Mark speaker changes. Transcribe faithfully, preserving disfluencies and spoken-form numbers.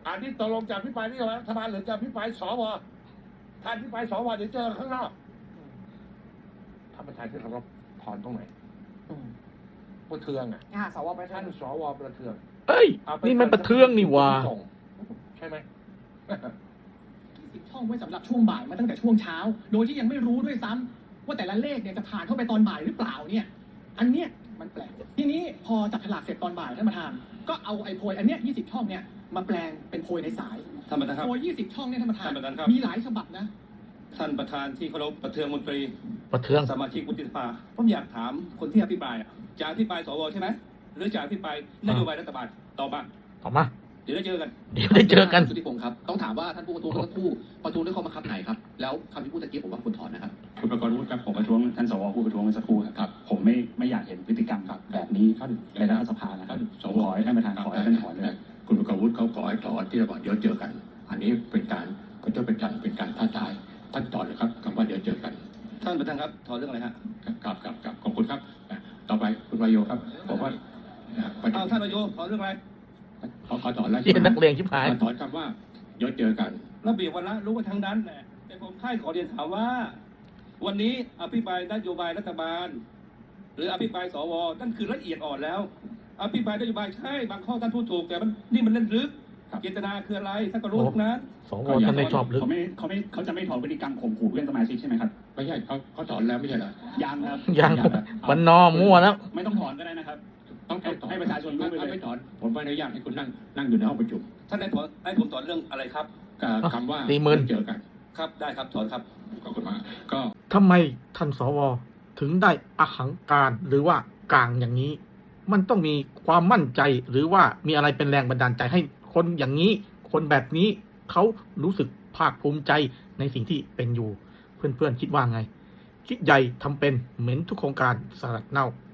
Speaker 1: อันนี้ตกลงจะพิปรายนโยบายรัฐบาลหรือจะพิปรายสวท่านพิปรายสวเดี๋ยวเจอข้างนอกท่านประธานที่เคารพถอนตรงไหนประเทืองอ่ะ
Speaker 2: อ่าสวประ
Speaker 1: ท่า
Speaker 2: ธาน
Speaker 1: นสวประเทือง
Speaker 3: เอ้ยนี่มันประเทืองนี่หว่า
Speaker 1: ใช่ไหม
Speaker 2: สิบช่องไว้สำหรับช่วงบ่ายมาตั้งแต่ช่วงเช้า โดยที่ยังไม่รู้ด้วยซ้ำว่าแต่ละเลขเนี่ยจะผ่านเข้าไปตอนบ่ายหรือเปล่าเนี่ย อันเนี้ยมันแปลกทีนี้พอจับฉลากเสร็จตอนบ่ายท่านประธานก็เอาไอ้โพยอันเนี้ยยี่สิบช่องเนี่ยมาแปลงเป็นโพยในสาย
Speaker 4: ท่านประธานครับ
Speaker 2: โพยยี่สิบช่องเนี่ยท่านประธาน
Speaker 4: ท่านประธานครับ
Speaker 2: มีหลายฉบับนะ
Speaker 4: ท่านประธานที่เคารพประเทืองมนตรี
Speaker 3: ประเทือง
Speaker 4: สมาชิกวุฒิสภาผมอยากถามคนที่อภิปรายอะจะอภิปรายสวใช่ไหมหรือจะอภิปรายนโยบายรัฐบาลตอบมา
Speaker 3: ออกมา
Speaker 4: เดี๋ยวได้เจอกัน
Speaker 3: เดี๋ยวได้เจอกัน
Speaker 5: สุทธิพงศ์ครับ ต้องถามว่าท่านผู้ประท้วงเมื่อสักครู่ประท้วงด้วยข้อบังคับไหนครับ แล้วคำที่พูดตะกี้ผมว่าควรถอนนะครับ
Speaker 6: คุณประกรณ์วุฒิครับผมประท้วงท่านสวผู้ประท้วงเมื่อสักครู่ครับ ผมไม่ไม่อยากเห็นพฤติกรรมครับแบบนี้ในรัฐสภานะครับสวขอให้ท่านประธานขอให้ท่านถอนเลย
Speaker 7: คุณประกรณ์วุฒิเขาขอให้ถอนที่ระหว่างเดี๋ยวเจอกัน อันนี้เป็นการก็จะเป็นการเป็นการท้าทายท่านถอนเลยครับคำว่าเดี๋ยวเจอกัน
Speaker 4: ท่านประธานครับถอนเรื่องอะไรฮะ
Speaker 7: ครับครับครับขอบคุณครับต่อไปคุณวายโยครับผมว่าประเด็
Speaker 4: เอา
Speaker 7: น
Speaker 4: ท่านนายกถอนเรื่องอะไร
Speaker 7: ขอขอถอนแล้ว
Speaker 3: เรียนนักเลงชิบหาย
Speaker 7: ขอถอนคำว่าเดี๋ยวเจอกัน
Speaker 4: ระเบียบวันละรู้กันทั้งนั้นแหละแต่ผมค่ายขอเรียนถามว่า วันนี้อภิปรายนโยบายรัฐบาล หรืออภิปรายสวนั่นคือละเอียดอ่อนแล้ว อภิปรายนโยบายใช่บางข้อท่านพูดถูกแต่มันนี่มันเล่นลึกเจตนาคืออะไรท่านก็รู้ทุกนั้น
Speaker 3: สวท่านไม่ชอบลึก
Speaker 6: เขาไม่เขาไม่เขาจะไม่ถอนพฤติกรรมข่มขู่เพื่อนสมาชิกใช่ไหมครับ
Speaker 7: ไม่ใช่เขาเขาถอนแล้วไม่ใช่เหรอ
Speaker 6: ยังครับ
Speaker 3: ยังวันนอมั่วแล้ว
Speaker 6: ไม่ต้องถอนก็ได้นะครับ
Speaker 7: ต้องต้องถอน
Speaker 6: ให้ประชาชนรู้ไปเลย
Speaker 7: ถ้าไม่ถอนผมไม่อนุญาตให้คุณนั่งนั่งอยู่ในห้องประชุม
Speaker 4: ท่านได้ถอนให้ผมถอนเรื่องอะไรครับ
Speaker 7: กับคำว่า
Speaker 3: สี่หมื่น
Speaker 7: เจอกัน
Speaker 4: ครับได้ครับถอนครับ
Speaker 7: ขอบคุณมากก็
Speaker 3: ทำไมท่านสวถึงได้อหังการหรือว่ากลางอย่างนี้ มันต้องมีความมั่นใจหรือว่ามีอะไรเป็นแรงบันดาลใจให้คนอย่างนี้ คนแบบนี้เขารู้สึกภาคภูมิใจในสิ่งที่เป็นอยู่ เพื่อนๆคิดว่าไง คิดใหญ่ทำเป็นเหม็นทุกโครงการสลัดเน่า